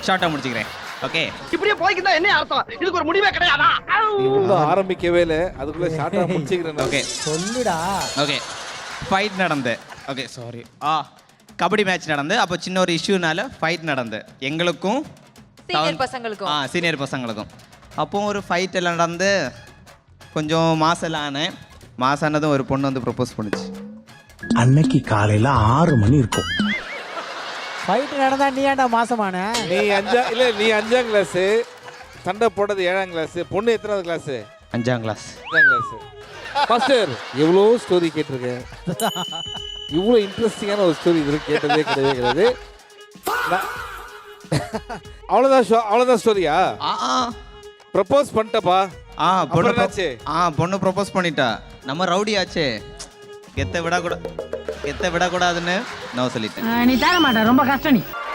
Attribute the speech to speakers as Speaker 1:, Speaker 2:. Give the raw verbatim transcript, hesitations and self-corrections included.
Speaker 1: ஷார்ட்டா முடிச்சுக்கிறேன். ஓகே,
Speaker 2: இப்படியே போய்க்கிட்டா என்ன அர்த்தம்? இதுக்கு ஒரு முடிவே கிடையாதா?
Speaker 3: நீ ஒன்றும் ஆரம்பிக்கவே இல்லை, அதுக்குள்ள ஷார்ட்டா முடிச்சுக்கிறேன்.
Speaker 1: ஓகே
Speaker 4: சொல்லுடா.
Speaker 1: ஓகே, ஃபைட் நடந்து. ஓகே சாரி, ஆ கபடி மேட்ச் நடந்து, அப்போ சின்ன ஒரு இஷ்யூனால ஃபைட் நடந்து எங்களுக்கும்
Speaker 5: சீனியர் பசங்களுக்கும்.
Speaker 1: ஆ சீனியர் பசங்களுக்கும். அப்போ ஒரு ஃபைட் எல்லாம் நடந்து கொஞ்சம் மாசெல்லாம் ஆனேன். மாசானதும் ஒரு பொண்ணு வந்து ப்ரப்போஸ் பண்ணுச்சு.
Speaker 6: அன்னைக்கு காலையில ஆறு மணி இருக்கும்.
Speaker 4: ஃபைட் நடந்தா நீ ஏன்டா மாசமான?
Speaker 3: நீ அஞ்சா இல்லை நீ அஞ்சாம் கிளாஸு, சண்டை போட்டது ஏழாம் கிளாஸு, பொண்ணு எத்தனாவது கிளாஸு?
Speaker 1: அஞ்சாம் கிளாஸ்.
Speaker 3: அஞ்சாம் கிளாஸு. மாஸ்டர் எவ்வளோ ஸ்டோரி கேட்டிருக்கேன், இவ்வளோ இன்ட்ரெஸ்டிங்கான ஒரு ஸ்டோரி இது கேட்டதே கிடையவே கிடையாது. அவ்வளோதான் ஷோ, அவ்வளோதான் ஸ்டோரியா?
Speaker 1: ஆ ஆ
Speaker 3: ப்ரப்போஸ் பண்ணிட்டப்பா.
Speaker 1: ஆ பொண்ணு
Speaker 3: அப்புறம் என்னாச்சு?
Speaker 1: ஆ பொண்ணு ப்ரப்போஸ் பண்ணிட்டா. நம்ம ரவுடி ஆச்சே, கெத்த விடக்கூடாது, கெத்த விடக்கூடாதுன்னு நான் சொல்லிட்டேன்.
Speaker 7: நீ தர மாட்டேன், ரொம்ப கஷ்டம் நீ.